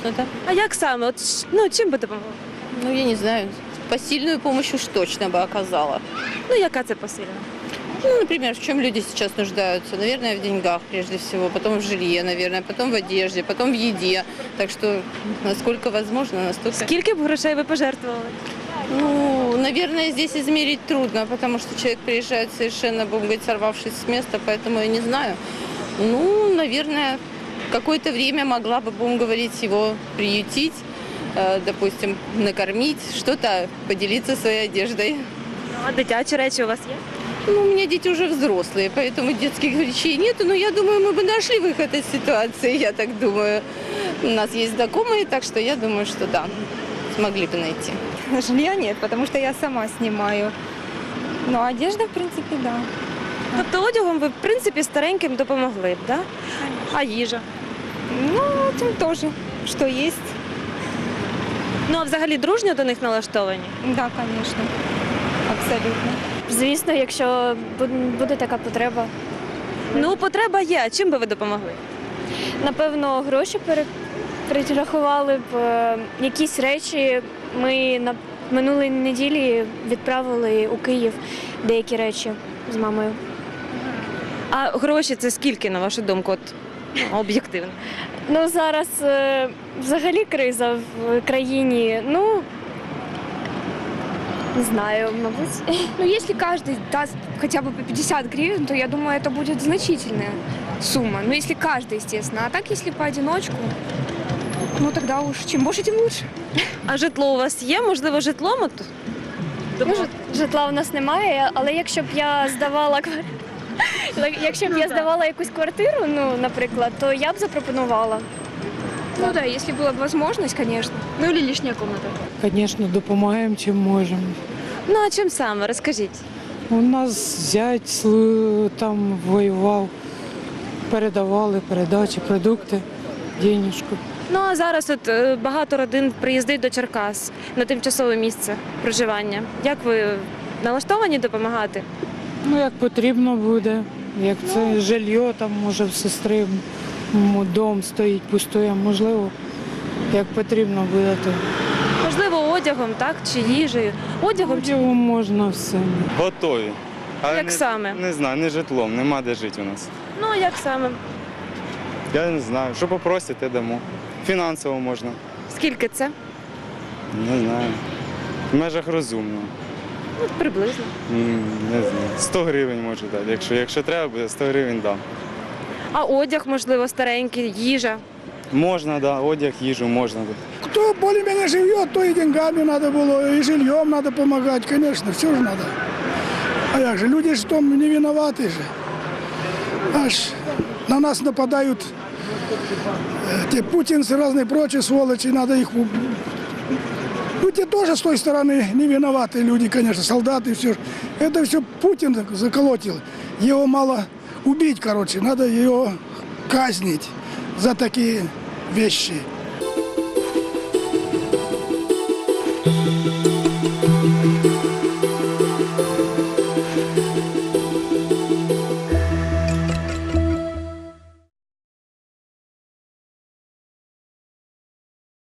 конечно, да. А як саме? От, ну, чим би допомогли? Ну, я не знаю, посильную помощь уж точно бы оказала. Ну, яка це посильна? Ну, например, в чем люди сейчас нуждаются? Наверное, в деньгах прежде всего, потом в жилье, наверное, потом в одежде, потом в еде. Так что, насколько возможно, настолько... Скільки б грошей ви пожертвували? Ну, наверное, здесь измерить трудно, потому что человек приезжает совершенно, будем говорить, сорвавшись с места, поэтому я не знаю. Ну, наверное, какое-то время могла бы, будем говорить, его приютить, допустим, накормить, что-то поделиться своей одеждой. А дитячі речі у вас є? Ну, у меня дети уже взрослые, поэтому детских вещей нету, но я думаю, мы бы нашли выход из ситуации, я так думаю. У нас есть знакомые, так что я думаю, что да, смогли бы найти. Жилья нет, потому что я сама снимаю. Но одежда, в принципе, да. Тобто одягом ви, в принципі, стареньким допомогли б, да? А їжа? Ну, этим тоже, что есть. Ну, а взагалі дружньо до них налаштовані? Да, конечно, абсолютно. Звісно, якщо буде така потреба. Ну, потреба є. А чим би ви допомогли? Напевно, гроші перерахували б. Якісь речі ми на минулої неділі відправили у Київ деякі речі з мамою. А гроші це скільки, на вашу думку, от, об'єктивно? Ну, зараз взагалі криза в країні. Ну, не знаю, мабуть. Ну, если каждый даст хотя бы по 50 гривен, то я думаю, это будет значительная сумма. Ну, если каждый, естественно. А так, если поодиночку, ну, тогда уж чем больше, тем лучше. А житло у вас є? Можливо, житлом? От? Ну, житла у нас немає, але якщо б я здавала якусь квартиру, ну, наприклад, то я б запропонувала. Ну да, если была бы возможность, конечно. Ну или лишняя комната. Звісно, допомагаємо, чим можемо. Ну, а чим саме? Розкажіть. У нас зять там воював, передавали передачі, продукти, денежку. Ну, а зараз от багато родин приїздить до Черкас на тимчасове місце проживання. Як ви налаштовані допомагати? Ну, як потрібно буде. Як це жилье, там може в сестри дом стоїть, пустує, можливо, як потрібно буде, то Можливо, одягом, так? Чи їжею? Одягом чи одягом можна все. Готові. Але як саме? Не знаю, не житлом, нема де жити у нас. Ну, а як саме? Я не знаю, що попросите, дамо. Фінансово можна. Скільки це? Не знаю. В межах розумного. Ну, приблизно. Не знаю. 100 гривень можу дати. Якщо треба буде, 100 гривень дам. А одяг, можливо, старенький, їжа. Можна, да, одяг, їжу можна. Кто более-менее живет, то и деньгами надо было, и жильем надо помогать, конечно, все же надо. А як же, люди же в том не виноваты же. Аж на нас нападают те путинцы, разные прочие сволочи, надо их... Ну, те тоже с той стороны не виноваты люди, конечно, солдаты, все. Это все Путин заколотил. Его мало убить, короче, надо его казнить за такие вещи.